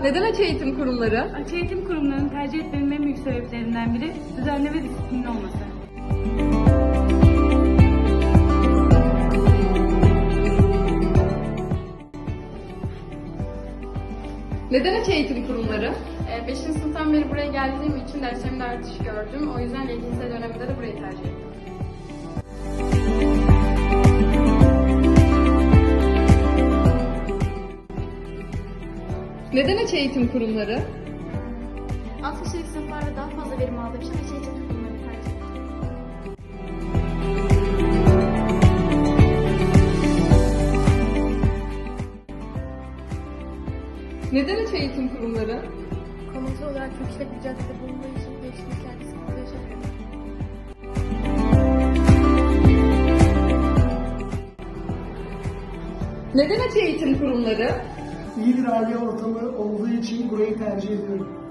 Neden açık eğitim kurumları? Açık eğitim kurumlarını tercih etmemin en büyük sebeplerinden biri düzenli ve disiplinli olması. Neden açık eğitim kurumları? 5. sınıftan beri buraya geldiğim için derslerimde artış gördüm. O yüzden LGS döneminde de burayı tercih ettim. Neden açık eğitim kurumları? Alt kişilik sınıflarda daha fazla verim aldığım için açık eğitim kurumlarını tercih ettim. Neden açık eğitim kurumları? Konusu olarak yüksek bir caddede bulunduğu için değişikliklerde sıkıntı yaşamıyorum. Neden açık eğitim kurumları? İyi bir aile ortamı olduğu için burayı tercih ediyorum.